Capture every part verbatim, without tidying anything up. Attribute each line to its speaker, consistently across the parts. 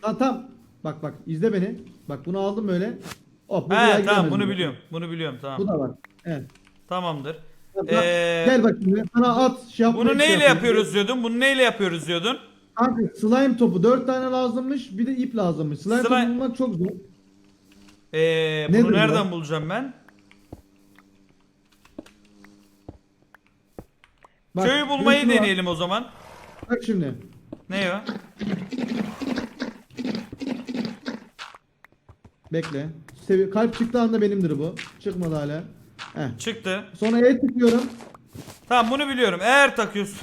Speaker 1: Ha tam. Bak bak izle beni. Bak bunu aldım böyle. Hop, bu
Speaker 2: He
Speaker 1: buraya
Speaker 2: tamam
Speaker 1: giremez
Speaker 2: bunu
Speaker 1: bu.
Speaker 2: biliyorum. Bunu biliyorum
Speaker 1: Bu
Speaker 2: tamam.
Speaker 1: da var. Evet.
Speaker 2: Tamamdır.
Speaker 1: Bak, bak,
Speaker 2: Ee,
Speaker 1: gel bak şimdi. Sana at şey
Speaker 2: bunu
Speaker 1: yapmayı şey
Speaker 2: neyle
Speaker 1: yapayım.
Speaker 2: yapıyoruz diyordun? Bunu neyle yapıyoruz diyordun?
Speaker 1: Kanka slime topu dört tane lazımmış. Bir de ip lazımmış. Slime topu
Speaker 2: Slime...
Speaker 1: bulmak çok zor.
Speaker 2: Ee, bunu
Speaker 1: Nedir
Speaker 2: nereden
Speaker 1: bu?
Speaker 2: bulacağım ben?
Speaker 1: Bak
Speaker 2: Köyü
Speaker 1: bir de
Speaker 2: bulmayı
Speaker 1: şunu var.
Speaker 2: deneyelim o zaman.
Speaker 1: Bak şimdi.
Speaker 2: Ne o?
Speaker 1: Bekle. Sevi kalp çıktığı anda benimdir bu. Çıkmadı hala. Heh.
Speaker 2: Çıktı.
Speaker 1: Sonra E tıklıyorum.
Speaker 2: Tamam bunu biliyorum. Eğer takıyorsun.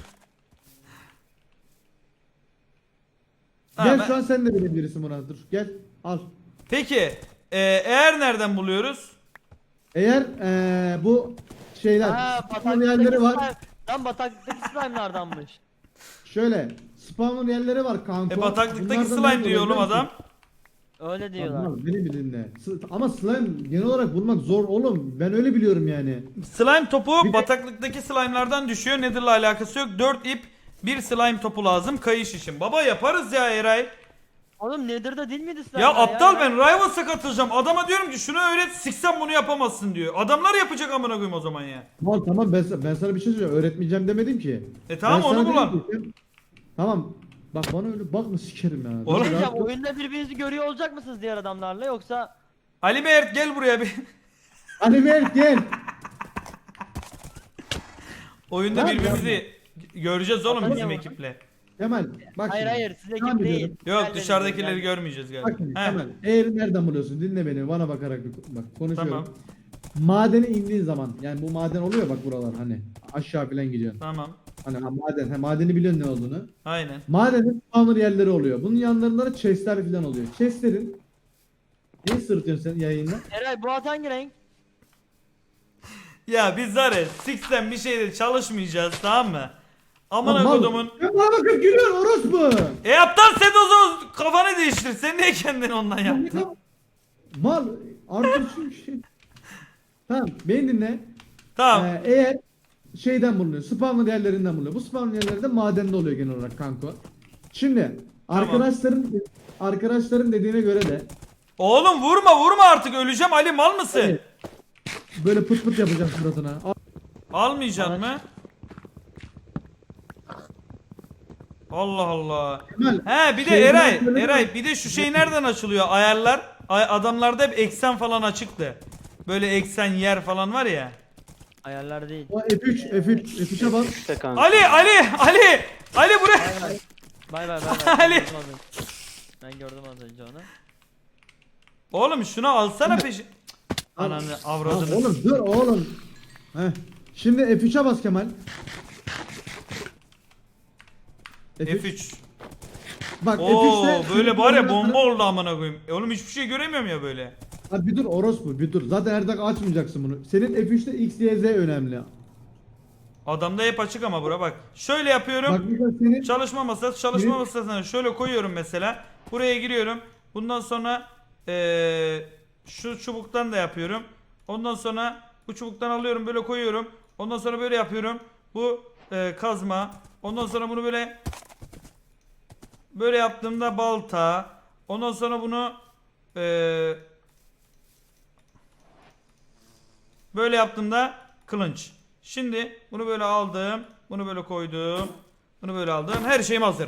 Speaker 2: Tamam,
Speaker 1: Gel şu
Speaker 2: ben-
Speaker 1: an sen de bilebilirsin buna. Dur gel. Al.
Speaker 2: Peki. ee, eğer nereden buluyoruz?
Speaker 1: Eğer eee, bu şeyler
Speaker 3: Ha,
Speaker 1: spawn yerleri var.
Speaker 3: slime. Lan bataklıktaki slime'lardanmış.
Speaker 1: Şöyle spawn yerleri var kanka.
Speaker 2: E bataklıktaki
Speaker 1: Bunlardan
Speaker 2: slime
Speaker 1: nerede
Speaker 2: diyor oğlum
Speaker 1: oluyor biliyor
Speaker 2: adam.
Speaker 1: musun?
Speaker 3: Öyle diyorlar.
Speaker 1: Tamam, beni bir dinle. S- Ama slime genel olarak bulmak zor oğlum. Ben öyle biliyorum yani.
Speaker 2: Slime topu
Speaker 1: Bir de-
Speaker 2: bataklıktaki slime'lardan düşüyor. Nether'la alakası yok. dört ip, bir slime topu lazım kayış için. Baba yaparız ya Eray.
Speaker 3: Oğlum Nether'da değil miydi slime?
Speaker 2: Ya aptal ben Rivals'a katılacağım. Adama diyorum ki şunu öğret, siksen bunu yapamazsın diyor. Adamlar yapacak amına koyayım o zaman ya.
Speaker 1: Tamam tamam ben, ben sana bir şey söyleyeceğim. Öğretmeyeceğim demedim ki.
Speaker 2: E tamam,
Speaker 1: Ben sana
Speaker 2: onu
Speaker 1: dedim
Speaker 2: bulan.
Speaker 1: ki, sen- Tamam. Bak bana öyle bakma sikerim ya.
Speaker 2: Oğlum-
Speaker 1: Dur,
Speaker 3: Diyeceğim,
Speaker 1: rahat dur.
Speaker 3: oyunda birbirinizi görüyor olacak mısınız diğer adamlarla yoksa
Speaker 2: Ali Mert gel buraya bir.
Speaker 1: Ali Mert gel.
Speaker 2: Oyunda
Speaker 1: Lan
Speaker 2: birbirimizi göreceğiz oğlum
Speaker 3: Atan
Speaker 2: bizim
Speaker 3: ya.
Speaker 2: ekiple.
Speaker 1: Kemal bak
Speaker 3: hayır
Speaker 1: şimdi.
Speaker 3: hayır siz
Speaker 1: Tamam
Speaker 3: ekip değil.
Speaker 1: biliyorum.
Speaker 2: Yok
Speaker 3: Diğerlerini
Speaker 2: dışarıdakileri
Speaker 3: yani.
Speaker 2: görmeyeceğiz
Speaker 1: Bak
Speaker 2: galiba.
Speaker 1: şimdi
Speaker 2: He,
Speaker 1: Kemal. Eğer nereden buluyorsun? Dinle beni. Bana bakarak bir bak konuşuyorum.
Speaker 2: Tamam.
Speaker 1: Madene indiğin zaman yani bu maden oluyor bak buralar hani aşağı falan gidiyorsun.
Speaker 2: Tamam.
Speaker 1: Hani ha, maden, ha, madeni biliyorsun ne olduğunu.
Speaker 2: Aynen.
Speaker 1: Madenin spawner yerleri oluyor. Bunun yanlarında da chestler falan oluyor. Chestlerin neyi sırıtıyorsun sen yayında?
Speaker 3: Eray bu at hangi renk?
Speaker 2: Ya biz var ya Six'ten bir şeyde çalışmayacağız tamam mı? Amına
Speaker 1: Mal-
Speaker 2: kodumun.
Speaker 1: Ya bana bakıp gülüyor orospu.
Speaker 2: E aptal sen o zaman kafanı değiştir. Sen niye kendini ondan yaptın?
Speaker 1: Mal artık şu şey. Tamam beni dinle.
Speaker 2: Tamam.
Speaker 1: Ee, eğer şeyden bulunuyor. Spawner yerlerinden bulunuyor. Bu spawner yerleri de madende oluyor genel olarak kanko. Şimdi
Speaker 2: Tamam.
Speaker 1: arkadaşların arkadaşların dediğine göre de
Speaker 2: Oğlum vurma vurma artık öleceğim Ali mal mısın?
Speaker 1: Evet. böyle pıt pıt yapacağım suratına. Al-
Speaker 2: Almayacaksın mı? Allah Allah.
Speaker 1: Kemal,
Speaker 2: He bir de
Speaker 1: şeyden
Speaker 2: Eray,
Speaker 1: söyle-
Speaker 2: Eray bir de şu şey nereden açılıyor? Ayarlar. Ay, adamlarda hep eksen falan açıktı. Böyle eksen yer falan var ya.
Speaker 3: Ayarlar değil.
Speaker 1: O F üç F üç F üçe bas.
Speaker 4: İşte kanka.
Speaker 2: Ali Ali Ali Ali buraya.
Speaker 3: Bay bay. Bay bay bay bay.
Speaker 2: Ali.
Speaker 3: Ben gördüm az önce. Ben gördüm az önce onu.
Speaker 2: Oğlum şunu alsana peşin.
Speaker 1: Al.
Speaker 2: Ananı
Speaker 1: Lan
Speaker 2: avradını.
Speaker 1: oğlum dur oğlum. Heh. Şimdi F üçe bas Kemal. F üç.
Speaker 2: F üç.
Speaker 1: Bak
Speaker 2: Oo
Speaker 1: F üçte
Speaker 2: böyle var ya bomba oldu amına koyayım. E oğlum hiçbir şey göremiyorum ya böyle.
Speaker 1: Abi bir dur orospu bir dur. Zaten her dakika açmayacaksın bunu. Senin F üçte X, Y, Z önemli.
Speaker 2: Adamda hep açık ama bura bak. Şöyle yapıyorum.
Speaker 1: Bak mesela senin
Speaker 2: Çalışma masası, çalışma
Speaker 1: Benim-
Speaker 2: masasına şöyle koyuyorum mesela. Buraya giriyorum. Bundan sonra eee, şu çubuktan da yapıyorum. Ondan sonra bu çubuktan alıyorum böyle koyuyorum. Ondan sonra böyle yapıyorum. Bu eee, kazma. Ondan sonra bunu böyle böyle yaptığımda balta. Ondan sonra bunu eee, böyle yaptığımda kılınç. Şimdi bunu böyle aldım. Bunu böyle koydum. Bunu böyle aldım. Her şeyim hazır.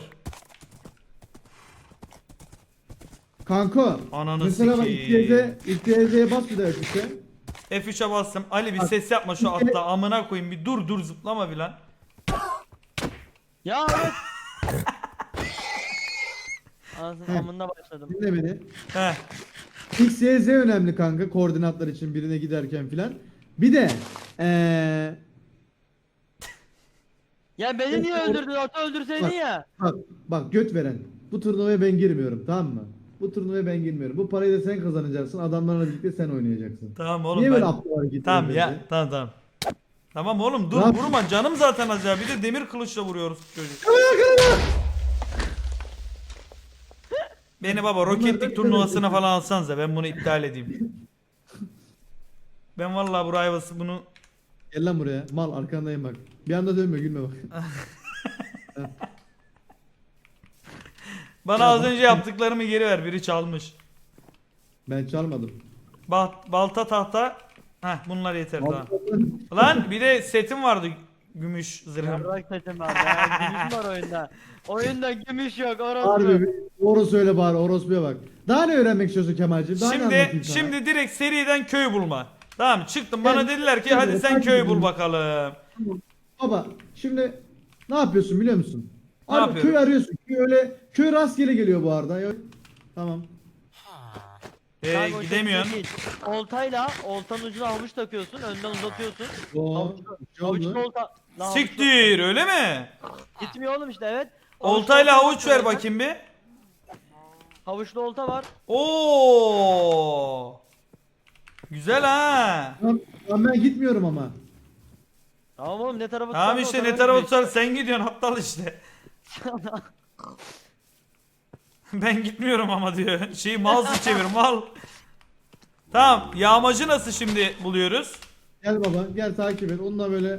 Speaker 1: kanka
Speaker 2: Ananı
Speaker 1: mesela bak X, Y, Z,
Speaker 2: sikeyim.
Speaker 1: X, Y, Z'ye bas bir daha F üçe.
Speaker 2: F üçe bastım. Ali bir
Speaker 1: Bak,
Speaker 2: ses yapma şu
Speaker 1: bir kere-
Speaker 2: atla amına koyayım bir dur dur zıplama bir lan.
Speaker 3: Ya evet. Anasının
Speaker 1: Heh.
Speaker 3: amında başladım.
Speaker 1: Dinle beni.
Speaker 2: Heh.
Speaker 1: X, Y, Z önemli kanka koordinatlar için birine giderken filan. Bir de eee
Speaker 3: Ya beni niye öldürdün? Atı öldürseydin
Speaker 1: Bak.
Speaker 3: ya.
Speaker 1: bak bak göt veren. Bu turnuvaya ben girmiyorum tamam mı? Bu turnuvaya ben girmiyorum. Bu parayı da sen kazanacaksın. Adamlarla birlikte sen oynayacaksın.
Speaker 2: Tamam oğlum
Speaker 1: Niye
Speaker 2: ben...
Speaker 1: böyle aptal hareket
Speaker 2: Tamam
Speaker 1: ediyorsun?
Speaker 2: ya tamam tamam. Tamam oğlum dur
Speaker 1: Ne yap-
Speaker 2: vurma canım zaten az ya bir de demir kılıçla vuruyoruz çocuk. Beni baba roketlik turnuvasına falan alsanıza ben bunu iptal edeyim. Ben vallahi bu Rivals'ı bunu
Speaker 1: Gel lan buraya. Mal arkandayım bak. Bir anda dönme gülme bak.
Speaker 2: Bana az önce yaptıklarımı geri ver. Biri çalmış.
Speaker 1: Ben çalmadım.
Speaker 2: Bal balta tahta. Heh bunlar yeter daha.
Speaker 1: Altın-
Speaker 2: Lan bir de setim vardı. Gümüş zırhım.
Speaker 3: Yarrak seçim var. Ya, gümüş var oyunda. Oyunda gümüş yok orası.
Speaker 1: Harbi bir doğru söyle bari orospuya bak. Daha ne öğrenmek istiyorsun Kemal'cim? Daha ne anlatayım
Speaker 2: Şimdi
Speaker 1: sana?
Speaker 2: şimdi direkt seriden köy bulma. Tamam mı? Çıktım bana
Speaker 1: Gel,
Speaker 2: dediler ki
Speaker 1: gel,
Speaker 2: hadi sen
Speaker 1: hadi
Speaker 2: köy
Speaker 1: gidelim.
Speaker 2: bul bakalım.
Speaker 1: Baba şimdi ne yapıyorsun biliyor musun?
Speaker 2: Ne
Speaker 1: Abi,
Speaker 2: yapıyorum?
Speaker 1: köy arıyorsun. Köy öyle köy rastgele geliyor bu arada. Ya- Tamam.
Speaker 2: Ee,
Speaker 3: Kanka o
Speaker 2: gidemiyorsun.
Speaker 3: şekilde değil. Oltayla oltanın ucuna havuç takıyorsun. Önden uzatıyorsun.
Speaker 1: Oo,
Speaker 3: Havuç,
Speaker 1: bir şey
Speaker 3: havuçlu
Speaker 1: oldu.
Speaker 3: olta. Lan havuçlu-
Speaker 2: Siktir öyle mi?
Speaker 3: Gitmiyor oğlum işte evet.
Speaker 2: Oltayla
Speaker 3: Havuçlu
Speaker 2: havuç
Speaker 3: olta
Speaker 2: ver
Speaker 3: var.
Speaker 2: bakayım bir.
Speaker 3: Havuçlu olta var.
Speaker 2: Oo. Güzel ha.
Speaker 1: Tamam, tamam, ben gitmiyorum ama.
Speaker 3: Tamam oğlum ne tarafı
Speaker 2: Tamam
Speaker 3: tutarsa o
Speaker 2: işte ne
Speaker 3: tarafa
Speaker 2: tarafa
Speaker 3: gidiyor.
Speaker 2: tutar sen gidiyorsun aptal işte. Ben gitmiyorum ama diyor. Şeyi mouse'u çevir mal. Tamam yağmacı nasıl şimdi buluyoruz?
Speaker 1: Gel baba gel takip et. Onunla böyle.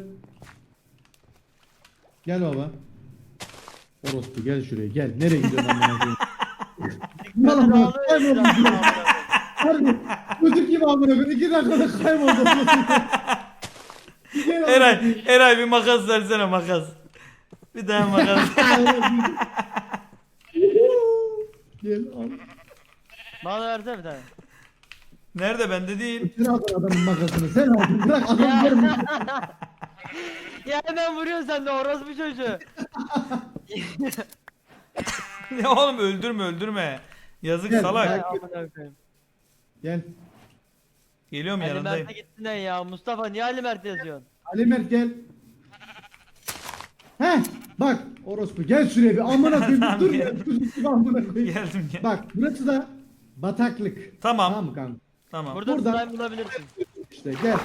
Speaker 1: Gel baba. Orospu gel şuraya gel. Nereye gidiyorsun amına koyayım? Lan
Speaker 3: Dikkatini
Speaker 1: amına
Speaker 3: alıyor
Speaker 1: kayboldum.
Speaker 3: etrafına.
Speaker 1: Harbi. Çocuk gibi amına koyayım. İki dakikada kayboldum. Gel amına
Speaker 2: Eray,
Speaker 1: koyayım.
Speaker 2: Eray bir makas versene makas. Bir daha makas.
Speaker 1: Gel al.
Speaker 3: Bana versene bir tane.
Speaker 2: Nerede bende değil.
Speaker 1: Sen aldın adamın makasını. Sen aldın. Bırak adam görmüyor.
Speaker 3: Ya hemen vuruyorsun sen de orospu çocuğu.
Speaker 2: Ya oğlum öldürme öldürme. Yazık
Speaker 1: Gel,
Speaker 2: salak.
Speaker 1: gel.
Speaker 3: Ay, amına koyayım.
Speaker 1: Gel.
Speaker 2: Geliyorum
Speaker 3: Ali
Speaker 2: yanındayım.
Speaker 3: Mert'e gittin lan ya. Mustafa niye Ali Mert yazıyorsun?
Speaker 1: Ali Mert gel. Heh bak orospu gel şuraya bir amına koyayım
Speaker 2: Tamam,
Speaker 1: dur
Speaker 2: gel.
Speaker 1: ya çocuk gibi amına koyayım.
Speaker 2: Geldim gel.
Speaker 1: Bak burası da bataklık.
Speaker 2: Tamam.
Speaker 1: Tamam mı kanka?
Speaker 2: Tamam.
Speaker 3: Burada
Speaker 1: Buradan-
Speaker 3: slime bulabilirsin.
Speaker 1: İşte gel.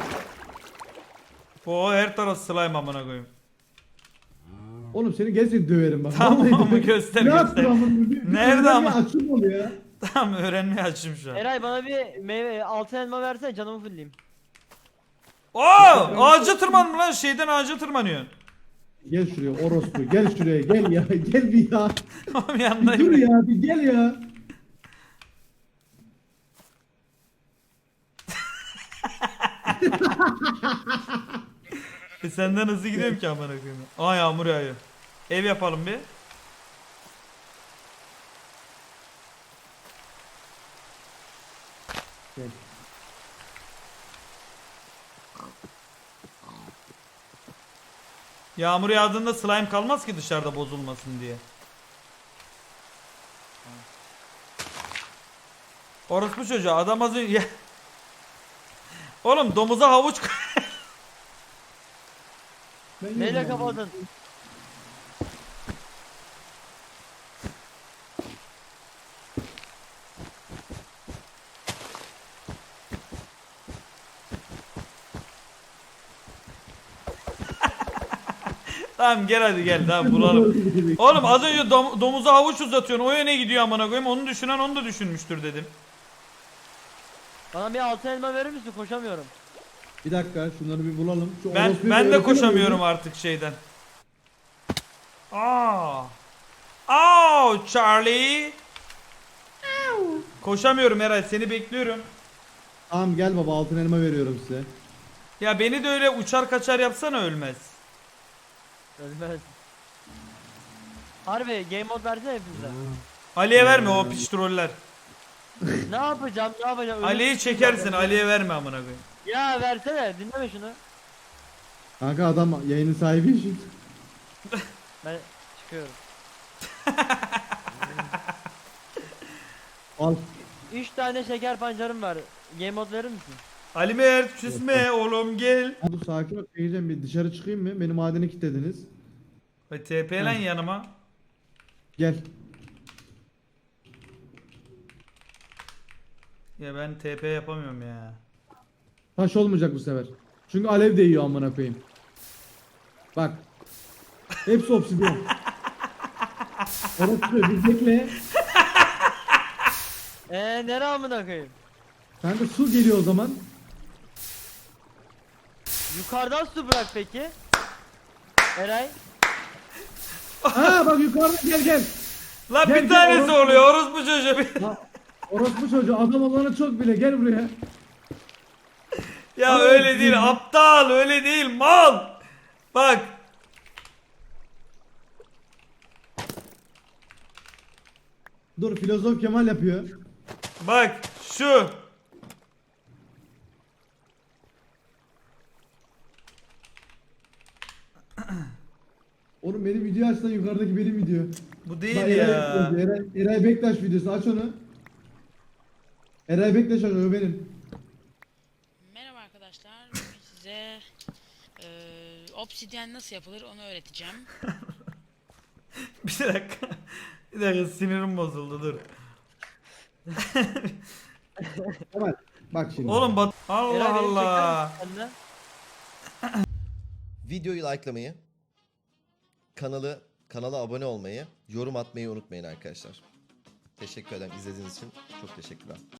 Speaker 2: O her taraf slime amına koyayım.
Speaker 1: Oğlum seni gerçekten döverim bak.
Speaker 2: Tamam
Speaker 1: Vallahi
Speaker 2: ama
Speaker 1: döverim.
Speaker 2: göster,
Speaker 1: Ne
Speaker 2: göster.
Speaker 1: yaptın amına koyayım? Bir- bir
Speaker 2: Nerede
Speaker 1: öğrenmeye
Speaker 2: ama?
Speaker 1: Açım oluyor ya.
Speaker 2: Tamam öğrenmeye açım şu an.
Speaker 3: Eray bana bir meyve altın elma versene canımı fulleyim.
Speaker 2: Oo, ağaca tırmanma lan şeyden ağaca tırmanıyor.
Speaker 1: Gel şuraya orospu gel şuraya gel ya gel bir ya.
Speaker 2: Tamam
Speaker 1: Bir dur
Speaker 2: yanındayım.
Speaker 1: ya bir gel ya.
Speaker 2: E senden hızlı gidiyorum ki amına koyayım. Aa yağmur yağıyor. Ev yapalım bir.
Speaker 1: Gel.
Speaker 2: Yağmur yağdığında slime kalmaz ki dışarıda bozulmasın diye. Orospu çocuğu adam az önce... Oğlum domuza havuç koy-
Speaker 1: Ben
Speaker 3: Neyle
Speaker 1: yedim amına.
Speaker 3: kapadın?
Speaker 2: Tamam gel hadi gel tamam bulalım. Oğlum az önce dom- domuza havuç uzatıyorsun o yöne gidiyor amına koyayım onu düşünen onu da düşünmüştür dedim.
Speaker 3: Bana bir altın elma verir misin? Koşamıyorum.
Speaker 1: Bir dakika şunları bir bulalım. Şu
Speaker 2: Ben
Speaker 1: orospuyu
Speaker 2: ben
Speaker 1: bir
Speaker 2: de
Speaker 1: öğretelim
Speaker 2: koşamıyorum
Speaker 1: mi?
Speaker 2: artık şeyden. Aa. Aa Charlie. Koşamıyorum Eray seni bekliyorum.
Speaker 1: Tamam gel baba altın elma veriyorum size.
Speaker 2: Ya beni de öyle uçar kaçar yapsana ölmez.
Speaker 3: Ölmez. Harbi game mode versene hepimize.
Speaker 2: Ali'ye verme o piç troller.
Speaker 3: Ne yapacağım ne yapacağım? Ölüm
Speaker 2: Ali'yi
Speaker 3: tutacağım
Speaker 2: çekersin
Speaker 3: ya.
Speaker 2: Ali'ye verme amına koyayım.
Speaker 3: Ya versene dinleme şunu.
Speaker 1: Kanka adam yayının sahibi için.
Speaker 3: Ben çıkıyorum.
Speaker 1: Al.
Speaker 3: Üç tane şeker pancarım var. Game mode verir misin?
Speaker 2: Ali Mert küsme oğlum gel.
Speaker 1: Dur sakin ol. Geleceğim bir dışarı çıkayım mı? Beni madene kilitlediniz.
Speaker 2: Ve T P lan yanıma.
Speaker 1: Gel.
Speaker 2: Ya ben T P yapamıyorum ya.
Speaker 1: Taş olmayacak bu sefer. Çünkü alev değiyor amına koyayım. Bak. Hepsi obsidyen. Orası bir bekle.
Speaker 3: Eee nere amına koyayım?
Speaker 1: Kanka su geliyor o zaman.
Speaker 3: Yukarıdan su bırak peki. Eray.
Speaker 1: Ha bak yukarıda gel gel.
Speaker 2: Lan
Speaker 1: Gel,
Speaker 2: bir
Speaker 1: gel,
Speaker 2: tanesi
Speaker 1: orospu-
Speaker 2: oluyor orospu çocuğu.
Speaker 1: Ha, orospu çocuğu adam olana çok bile gel buraya.
Speaker 2: Ya
Speaker 1: Al
Speaker 2: öyle
Speaker 1: bakayım.
Speaker 2: değil aptal öyle değil mal. Bak.
Speaker 1: Dur filozof Kemal yapıyor.
Speaker 2: Bak şu.
Speaker 1: Oğlum benim video açsan yukarıdaki benim video.
Speaker 2: Bu
Speaker 1: Bak,
Speaker 2: değil
Speaker 1: Eray,
Speaker 2: ya.
Speaker 1: yazıyor. Eray, Eray Bektaş videosu aç onu. Eray Bektaş o benim.
Speaker 4: Merhaba arkadaşlar. Bugün size eee obsidyen nasıl yapılır onu öğreteceğim.
Speaker 2: Bir dakika. Bir dakika sinirim bozuldu dur.
Speaker 1: Kemal bak şimdi.
Speaker 2: Oğlum bak Allah
Speaker 3: Eray, beni çeker
Speaker 2: Allah.
Speaker 3: misin sen de?
Speaker 5: Videoyu likelamayı, kanalı kanala abone olmayı, yorum atmayı unutmayın arkadaşlar. Teşekkür ederim izlediğiniz için. Çok teşekkürler.